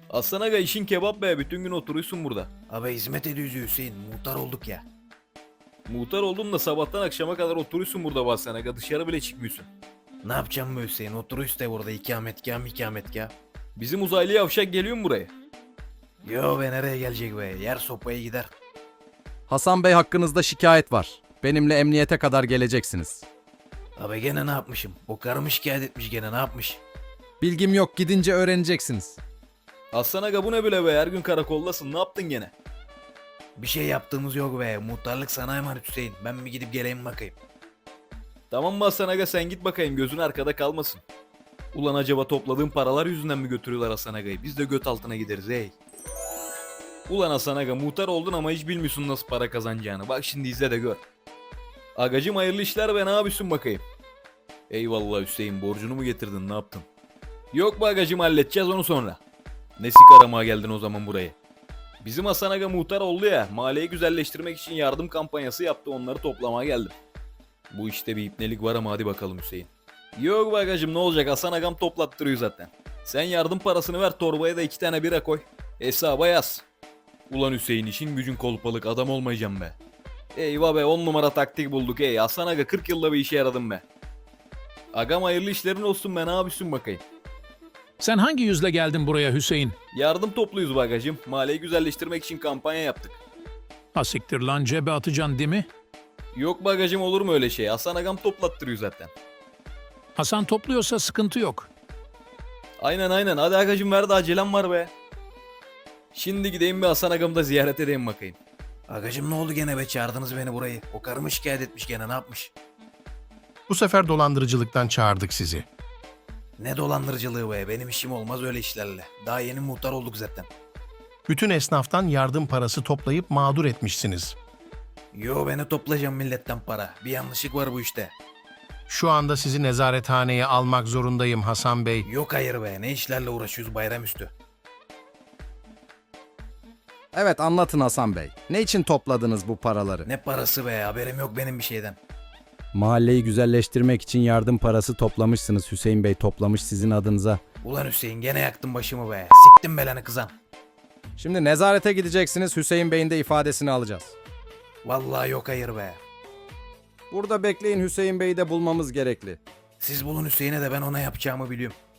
Aslan aga işin kebap be, bütün gün oturuyorsun burada. Abi hizmet ediyoruz Hüseyin. Muhtar olduk ya. Muhtar oldun da sabahtan akşama kadar oturuyorsun burada be Aslan aga, dışarı bile çıkmıyorsun. Ne yapacağım be Hüseyin? Oturuyoruz da burada ikametgah. Bizim uzaylı yavşak geliyor mu buraya? Yo be nereye gelecek be? Yer sopaya gider. Hasan Bey hakkınızda şikayet var. Benimle emniyete kadar geleceksiniz. Abi gene ne yapmışım? O karımı şikayet etmiş gene ne yapmış? Bilgim yok, gidince öğreneceksiniz. Aslan aga bu ne böyle be, her gün karakoldasın, ne yaptın gene? Bir şey yaptığımız yok be. Muhtarlık sana emanet Hüseyin. Ben mi gidip geleyim bakayım? Tamam mı Aslan aga, sen git bakayım, gözün arkada kalmasın. Ulan acaba topladığın paralar yüzünden mi götürüyorlar Hasan agayı? Biz de göt altına gideriz hey. Ulan Hasan aga, muhtar oldun ama hiç bilmiyorsun nasıl para kazanacağını. Bak şimdi izle de gör. Agacım hayırlı işler be, ne yapıyorsun bakayım? Eyvallah Hüseyin, borcunu mu getirdin, ne yaptın? Yok be agacım, halledeceğiz onu sonra. Ne sik aramaya geldin o zaman buraya? Bizim Hasan aga muhtar oldu ya, mahalleyi güzelleştirmek için yardım kampanyası yaptı, onları toplamaya geldim. Bu işte bir ipnelik var ama hadi bakalım Hüseyin. Yok be agacım, ne olacak, Hasan agam toplattırıyor zaten. Sen yardım parasını ver, torbaya da 2 tane bira koy. Hesaba yaz. Ulan Hüseyin, işin gücün kolpalık, adam olmayacağım be. Eyvah be, 10 numara taktik bulduk ey. Hasan aga 40 yılda bir işe yaradım be. Agam hayırlı işlerin olsun be, ne yapıyorsun bakayım? Sen hangi yüzle geldin buraya Hüseyin? Yardım topluyuz bagacım. Mahalleyi güzelleştirmek için kampanya yaptık. Ha siktir lan, cebe atacaksın değil mi? Yok bagacım, olur mu öyle şey? Hasan agam toplattırıyor zaten. Hasan topluyorsa sıkıntı yok. Aynen hadi agacım, ver de acelem var be. Şimdi gideyim bir Hasan agamı da ziyaret edeyim bakayım. Agacım ne oldu gene be? Çağırdınız beni burayı. O karımı şikayet etmiş gene ne yapmış? Bu sefer dolandırıcılıktan çağırdık sizi. Ne dolandırıcılığı be? Benim işim olmaz öyle işlerle. Daha yeni muhtar olduk zaten. Bütün esnaftan yardım parası toplayıp mağdur etmişsiniz. Yo beni toplayacağım milletten para. Bir yanlışlık var bu işte. Şu anda sizi nezarethaneye almak zorundayım Hasan Bey. Yok hayır be. Ne işlerle uğraşıyoruz bayramüstü? Evet, anlatın Hasan Bey. Ne için topladınız bu paraları? Ne parası be? Haberim yok benim bir şeyden. Mahalleyi güzelleştirmek için yardım parası toplamışsınız. Hüseyin Bey toplamış sizin adınıza. Ulan Hüseyin gene yaktın başımı be. Siktim belanı kızan. Şimdi nezarete gideceksiniz. Hüseyin Bey'in de ifadesini alacağız. Vallahi yok hayır be. Burada bekleyin, Hüseyin Bey'i de bulmamız gerekli. Siz bulun Hüseyin'e de ben ona yapacağımı biliyorum.